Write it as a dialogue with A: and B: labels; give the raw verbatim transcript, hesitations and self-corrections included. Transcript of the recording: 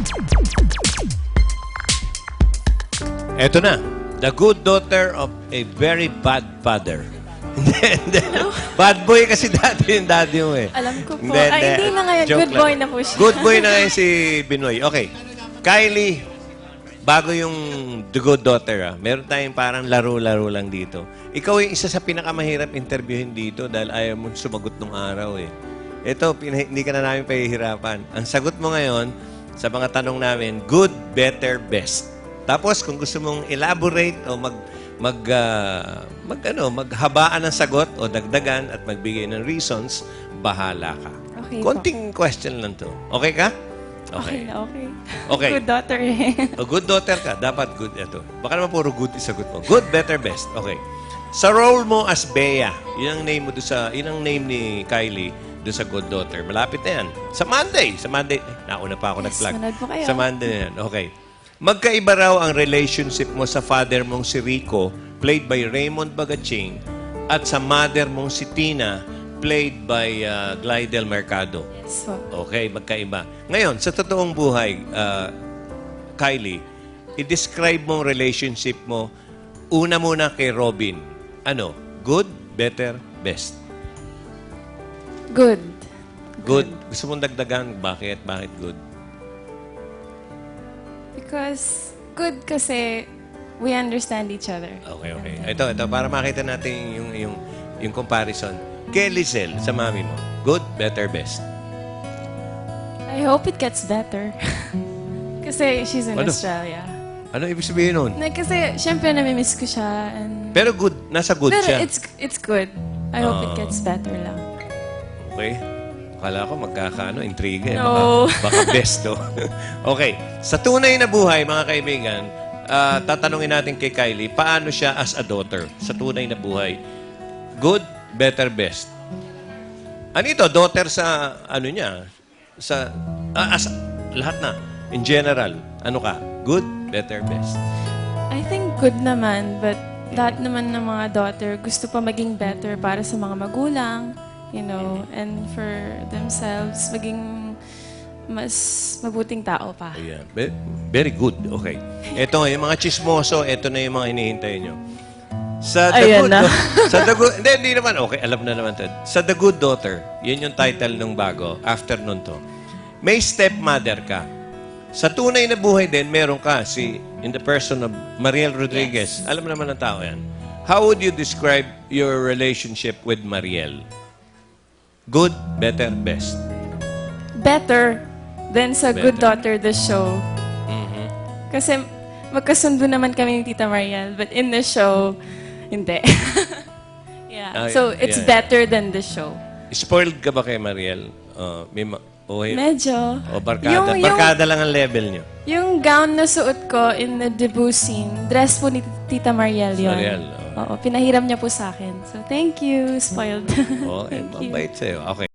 A: Eto na. The good daughter of a very bad father. Hindi, hindi. Bad boy kasi dati yung daddy mo eh.
B: Alam ko po.
A: Hindi,
B: Ay,
A: hindi.
B: hindi na ngayon.
A: Joke
B: Good
A: lang.
B: boy na po siya.
A: Good boy na ngayon si Binoy. Okay. Kylie, bago yung The Good Daughter, ah, meron tayong parang laro-laro lang dito. Ikaw yung isa sa pinakamahirap interviewin dito dahil ayaw mo sumagot nung araw eh. Ito, pina- hindi ka na namin pahihirapan. Ang sagot mo ngayon sa mga tanong namin, good, better, best. Tapos kung gusto mong elaborate o mag mag ah, mag ano, maghabaan ng sagot o dagdagan at magbigay ng reasons, bahala ka.
B: Okay po.
A: Konting question lang to. Okay ka?
B: Okay na, okay.
A: Okay.
B: Good daughter eh.
A: O good daughter ka, dapat good ito. Baka naman puro good isagot mo. Good, better, best. Okay. Sa role mo as Bea, yun ang name mo do sa, yun ang name ni Kylie do sa good daughter. Malapit na yan. Sa Monday. Sa Monday. Eh, nauna pa ako
B: Yes,
A: nag-plug.
B: manood po kayo.
A: Sa Monday na yan. Okay. Magkaiba raw ang relationship mo sa father mong si Rico, played by Raymond Bagaching, at sa mother mong si Tina, played by uh, Glidel Mercado.
B: Yes po.
A: Okay, magkaiba. Ngayon, sa totoong buhay, uh, Kylie, i-describe mo ang relationship mo una muna kay Robin. Ano? Good, better, best?
B: Good.
A: Good. Gusto mong dagdagan? Bakit? Bakit good?
B: Because, good kasi we understand each other.
A: Okay, okay. Ito, ito, para makita natin yung, yung, yung comparison. Kay Lizelle, sa mami mo, good, better, best?
B: I hope it gets better. Kasi she's in
A: Ano?
B: Australia.
A: Ano ibig sabihin nun?
B: Na, kasi, syempre, namimiss ko siya. And,
A: Pero good, nasa good
B: pero
A: siya.
B: it's it's good. I hope it
A: Ah.
B: gets better lang.
A: Okay. Akala ko magkakaano, intriga. Eh.
B: No.
A: Baka, baka best, to. Okay. Sa tunay na buhay, mga kaibigan, ah, tatanungin natin kay Kylie, paano siya as a daughter sa tunay na buhay? Good, better, best? Ano ito? Daughter sa, ano niya? Sa, ah, as, lahat na. In general, ano ka? Good, better, best?
B: I think good naman, but lahat naman ng mga daughter gusto pa maging better para sa mga magulang, you know, and for themselves, maging mas mabuting tao pa.
A: Ayan. Ve- Very good. Okay. Ito, yung mga chismoso, ito na yung mga hinihintay nyo. Sa The
B: Ayan
A: Good
B: na.
A: Dau- sa The Good... Hindi, hindi naman. Okay, alam na naman. Ted. Sa The Good Daughter, yun yung title nung bago. After nun to. May stepmother ka. Sa tunay na buhay din, meron ka si, in the person of Mariel Rodriguez. Alam naman ng tao yan. How would you describe your relationship with Mariel? Good, better, best?
B: Better than sa Good
A: Better.
B: Daughter, the show.
A: Mhm.
B: Kasi magkasundo naman kami ni Tita Mariel, but in the show, hindi. yeah.
A: Ah,
B: So,
A: yeah,
B: it's
A: yeah.
B: better than the show.
A: Spoiled ka ba kay Mariel? Uh, may ma- o,
B: Medyo.
A: o barkada?
B: Yung, yung,
A: barkada lang ang level niyo.
B: yung gown na suot ko in the debut scene, dress po ni Tita Mariel yun.
A: Mariel,
B: Oo, pinahiram niya po sa akin. So, thank you. Spoiled.
A: Oh, eh,
B: thank you.
A: mabait sa'yo. Okay.